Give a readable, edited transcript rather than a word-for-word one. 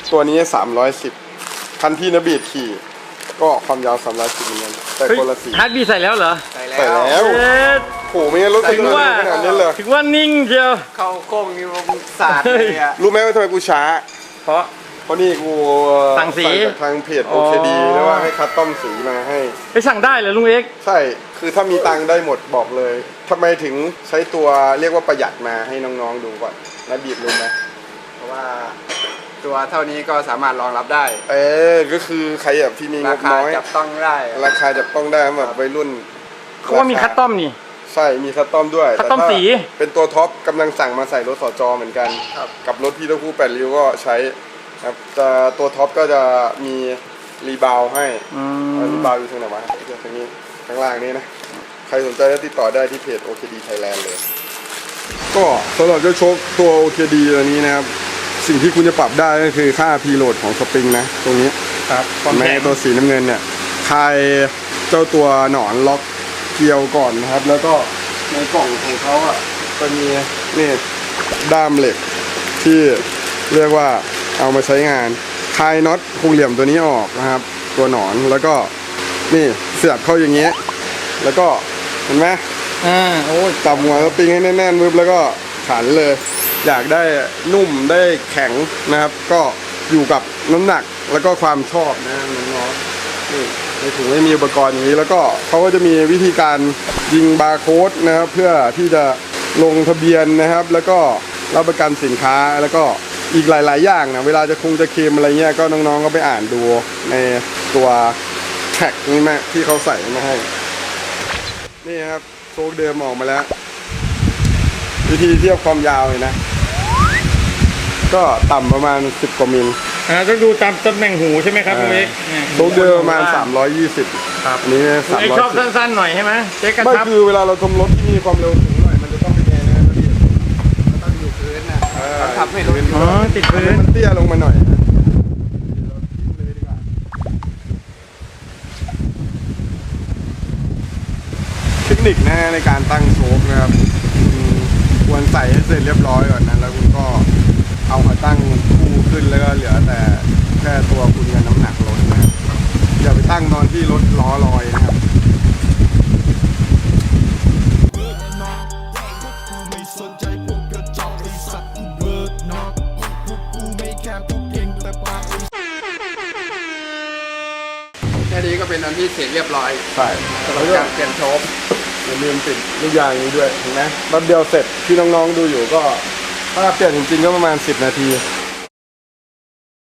ตัวนี้310คันที่นบีดขี่ก็ความยาว310เหมือนกันแต่คนละสีฮาร์ดบีใส่แล้วเหรอใส่ใส่แล้วแล้วโอ้ไม่งั้นรถถึงว่าขนาดนี้เลยถึงว่านิ่งเชียวเข้าโค้งนี่ผมสาดเลยอ่ะรู้ไหมว่าทำไมกูช้าเพราะเพราะนี่กูสั่งสีจากทางเพจอ๋อ OKD แล้วว่าให้คัสตอมสีมาให้ไปสั่งได้เหรอลุงเอ็กซ์ใช่ คือถ้ามีตังค์ได้หมดบอกเลยทำไมถึงใช้ตัวเรียกว่าประหยัดมาให้น้องๆดูก่อนแล้วบีบรู้ไหมเพราะว่าตัวเท่านี้ก็สามารถรองรับได้ก็คือใครแบบที่มีงราบคาน้อยจับต้องได้ราคาจับต้องได้แบบวัยรุ่นเขาว่ามีคัสตอมนี่ใช่ มีคัสตอมด้วยคัสตอมแต่ถ้าสีเป็นตัวท็อปกำลังสั่งมาใส่รถสจเหมือนกันครับกับรถพี่ตะคู่8ริ้วก็ใช้ครับแต่ตัวท็อปก็จะมีรีบาวให้ รีบาวอยู่ตรงไหนวะเดี๋ยวตรงนี้ข้างล่างนี้นะ ใครสนใจก็ติดต่อได้ที่เพจ OKD Thailand เลย ก็สำหรับเจ้าโชคตัว OKD ตัวนี้นะครับ สิ่งที่คุณจะปรับได้ก็คือค่าพีโหลดของสปริงนะ ตรงนี้ครับความแม้แข็งตัวสีน้ำเงินเนี่ยคลายเจ้าตัวหนอนล็อกเกลียวก่อนนะครับ แล้วก็ในกล่องของเขาอ่ะจะมีนี่ด้ามเหล็กที่เรียกว่าเอามาใช้งานคลายน็อตคงเหลี่ยมตัวนี้ออกนะครับ ตัวหนอนแล้วก็นี่เสียบเข้าอย่างเงี้ยแล้วก็เห็นไหมโอ้ยจับหัวสปริงให้แน่นๆปึ๊บแล้วก็ขันเลย อยากได้นุ่มได้แข็งนะครับ ก็อยู่กับน้ำหนักแล้วก็ความชอบนะน้องๆนี่ในถุงไม่มีอุปกรณ์อย่างนี้แล้วก็เขาก็จะมีวิธีการยิงบาร์โค้ดนะครับเพื่อที่จะลงทะเบียนนะครับ แล้วก็รับประกันสินค้าแล้วก็อีกหลายๆอย่างนะเวลาจะจะเคลมอะไรเงี้ยก็น้องๆก็ไปอ่านดูในตัวแท็กนี่แม่ที่เขาใส่มาให้นี่ครับโชคเดิมออกมาแล้ว วิธีเทียบความยาวเลยนะ ก็ต่ำประมาณ10 กว่ามิลต้องดูตามตำแหน่งหูใช่ไหมครับลุงเอ็กซ์โชคเดิมประมาณ320 ครับอันนี้ลุงเอ็กซ์ชอบ 310 สั้นๆหน่อยใช่ไหมเจ๊กระไม่ชับคือเวลาเราทำรถที่มีความเร็วสูงหน่อยมันจะต้องเป็นไงนะพี่ต้องอยู่พื้นนะต้องทำให้รถอ๋อติดพื้นมันเตี้ยลงมาหน่อยนะเทคนิคนะในการตั้งโชคนะครับควรใส่ให้เสร็จเรียบร้อยก่อนนะแล้วคุณก็เอามาตั้งคู่ขึ้นแล้วก็เหลือแต่แค่ตัวคุณกับน้ำหนักรถนะครับอย่าไปตั้งตอนที่รถล้อลอยนะครับแค่นี้ก็เป็นอันที่เสร็จเรียบร้อยใช่สำหรับการเปลี่ยนโชคอย่าลืมติดลูกยางนี้ด้วยเห็นไหมแป๊บเดียวเสร็จที่น้องๆดูอยู่ก็ถ้าเปลี่ยนจริงๆก็ประมาณ10 นาที